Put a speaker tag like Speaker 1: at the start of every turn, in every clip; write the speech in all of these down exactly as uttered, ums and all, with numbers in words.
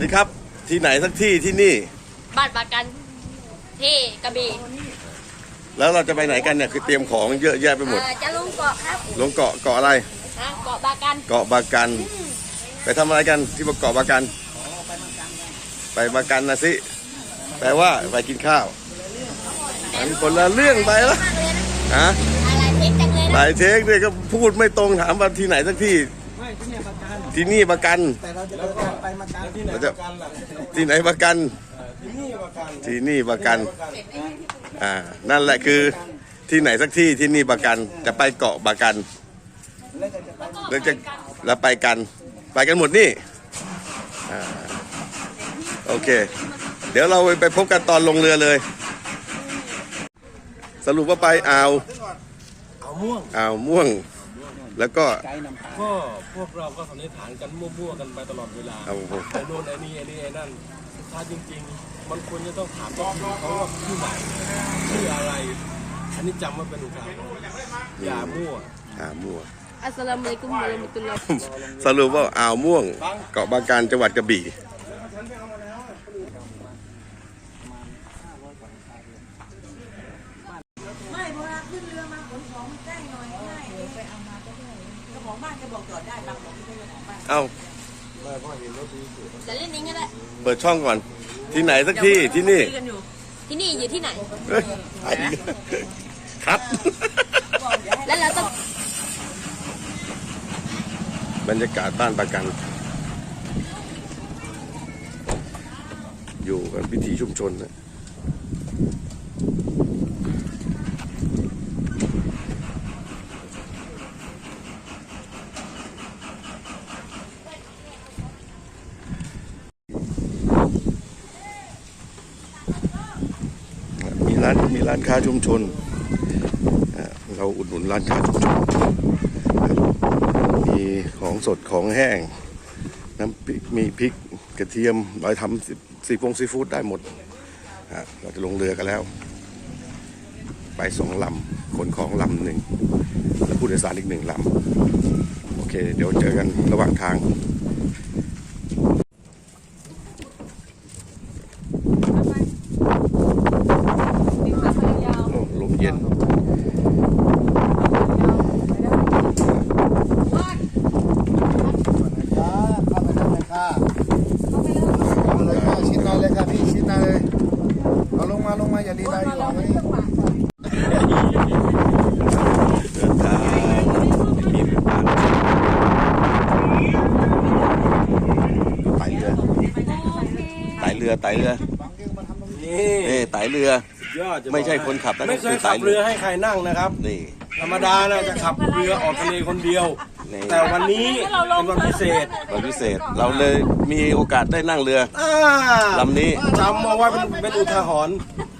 Speaker 1: ครับที่ไหนสักที่ที่นี่
Speaker 2: บ้านปากันที่กระบี่
Speaker 1: แล้วเราจะไปไหนกันเนี่ยคือเตรียมของเยอะแยะไปหมด
Speaker 2: จะลงเกาะครับ
Speaker 1: ลงเกาะเกาะอะไร
Speaker 2: เกาะบากัน
Speaker 1: เกาะบากันไปทำอะไรกันที่เกาะบากันไปบากันนะสิแปลว่าไปกินข้าวอันคนละเรื่องไปแล้วฮะหลายเทคเลยก็พูดไม่ตรงถามว่าที่ไหนสักที่ที่นี่บากัน
Speaker 3: แต่เราจะไปมากัน
Speaker 1: เราจะที่ไหนบากันที่นี่บากันอ่านั่นแหละคือที่ไหนสักที่ที่นี่บากันจะไปเกาะบากันแล้วจะแล้วไปกันไปกันหมดนี่อ่าโอเคเดี๋ยวเราไปพบกันตอนลงเรือเลยสรุปว่าไปอ่าว
Speaker 3: อ่าวม่วง
Speaker 1: อ่าวม่วงแล้วก็
Speaker 3: ก็พวกเราก็สันนิษฐานกันมั่วๆกันไปตลอดเวลาไอ้โน่นไอ้นี่ไอ้นี่ไอ้นั่นถ้าจริงๆมันควรจะต้องถามว่าเขาว่าที่ไหนที่อะไรอันนี้จำไว้เป็นอุทาหรณ์อย่ามั่ว
Speaker 1: อ่าวม่วง
Speaker 2: อัสสลามุอะลัยกุมวะเราะมะตุลลอฮ์
Speaker 1: สรุปว่าอ่าวม่วงเกาะบากันจังหวัดกระบี่
Speaker 4: ไม่เพราะว่าขึ้นเรือมาขนของมันใกล้หน่อยง่ายเลยไปเอามาก็ได้เจ้าของบ้านจะบอกจอดได้บางบอกไม่ใช่เจ้าของบ้าน
Speaker 1: เอ้า
Speaker 2: จะเล่นนี้ก็ได้
Speaker 1: เปิดช่องก่อนที่ไหนสักที่ที่นี่
Speaker 2: ที่นี่อยู่ที่ไหน
Speaker 1: ครับ
Speaker 2: แล้วเราต้อง
Speaker 1: บรรยากาศบ้านปากันอยู่กันพิถีชุมชนนะมีร้านมีร้านค้าชุมชนเราอุดหนุนร้านค้าชุมชนมีของสดของแห้งน้ำพริกมีพริกกระเทียมเราทำซีฟงซีฟู้ดได้หมดเราจะลงเรือกันแล้วไปสองลำขนของลำหนึ่งแล้วผู้โดยสารอีกหนึ่งลำโอเคเดี๋ยวเจอกันระหว่างทางลมเย็น
Speaker 3: ลงมาอย่าดีใจอยู่ไหม
Speaker 1: เดินทางมีไต่เรือไต่เรือไต่เรือนี่ไต่เรือไม่ใช่คนขับนะ
Speaker 3: ไม่เคยขับเรือให้ใครนั่งนะครับ
Speaker 1: นี่
Speaker 3: ธรรมดานะจะขับเรือออกทะเลคนเดียวแต่วันนี้เป็นวันพิเศษ
Speaker 1: วันพิเศษเราเลยมีโอกาสได้นั่งเรือลำนี้
Speaker 3: จำมาไว้เป็นเป็นอุทาหรณ์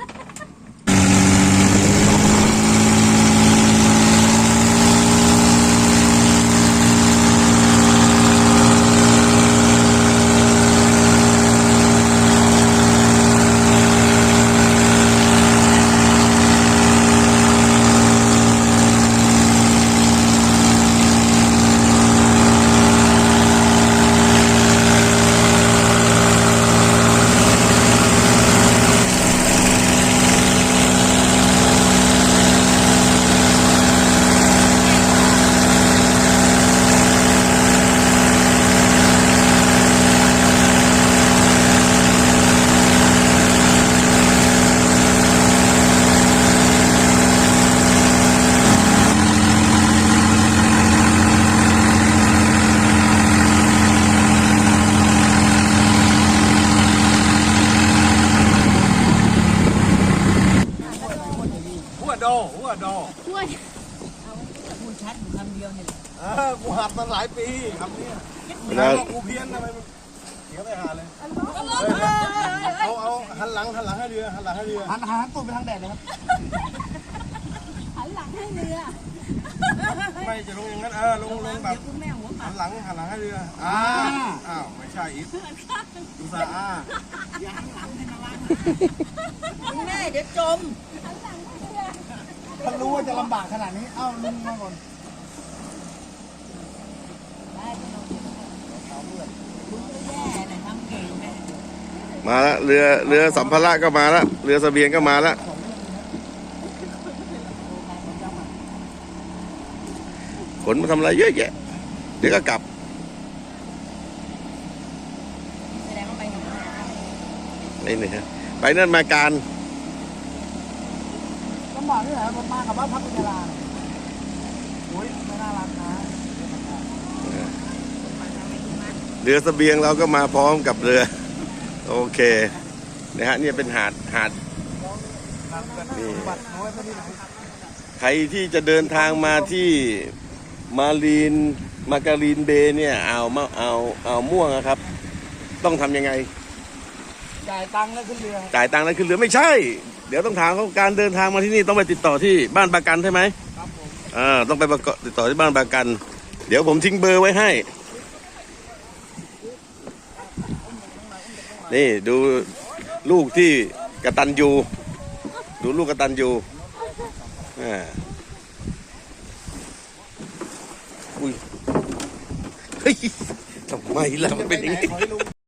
Speaker 4: โดหัวโดหัวพูดชัดอยู่คำเดียวเนี่ย
Speaker 3: เออกูหัดมาหลายปีคำนี้
Speaker 1: นะ
Speaker 3: กูเพี้ยนทำไมเดี๋ยวไปหาเลยเอาเอาหันหลังหันหลังให้เรือหันหลังให้เรือหันหันตูดไปทางแดดเลยครับ
Speaker 4: หันหลังให้เรือ
Speaker 3: ไม่จะลงอย่างนั้นเออลงลงแบบหันหลังหันหลังให้เรืออ้าวอ้าวไม่ใช่อีกดูซาอ้า
Speaker 4: อย่าหันหลังให้ระวังแม่เดี๋ยวจม
Speaker 3: ถ้ารู้ว่าจะลำบากขนาดนี้เอ้าลุงมาก่อน
Speaker 4: ได้ไม่ต้องลุงก็แย่นะทำเก่งนะ
Speaker 1: มาแล้วเรือเรือสัมภาระก็มาแล้วเรือเสบียงก็มาแล้วขนมาทำอะไรเยอะแยะเดี๋ยวก็กลับ
Speaker 4: แสดงว่าไปกับมา
Speaker 1: นี่นี่ฮะไปนั่นมาการ
Speaker 5: ต้องบอกด้วยเหรอผมมากับว่าพักกุญลาโอ้ยไม่น่ารักนะ
Speaker 1: เรือเสบียงเราก็มาพร้อมกับเรือโอเคนะฮะเนี่ยเป็นหาดหาดนี่
Speaker 5: บัตรน้อยพอดี
Speaker 1: ใครที่จะเดินทางมาที่มารีนมาการีนเบย์เนี่ยเอามาเอาเอาม่วงนะครับ ต้องทำยังไง
Speaker 5: จ่ายตังค์แล้วขึ้นเรือ
Speaker 1: จ่ายตังค์แล้วขึ้นเรือไม่ใช่ เดี๋ยวต้องถามเขาการเดินทางมาที่นี่ต้องไปติดต่อที่บ้านประกันใช่ไหม
Speaker 5: ครับผม
Speaker 1: อ่าต้องไปประกอบติดต่อที่บ้านประกัน เดี๋ยวผมทิ้งเบอร์ไว้ให้ นี่ดูลูกที่กตัญญูดูลูกกตัญญูอ่าอุ้ยเฮ้ยทำไมล่ะมันเป็นอย่างนี้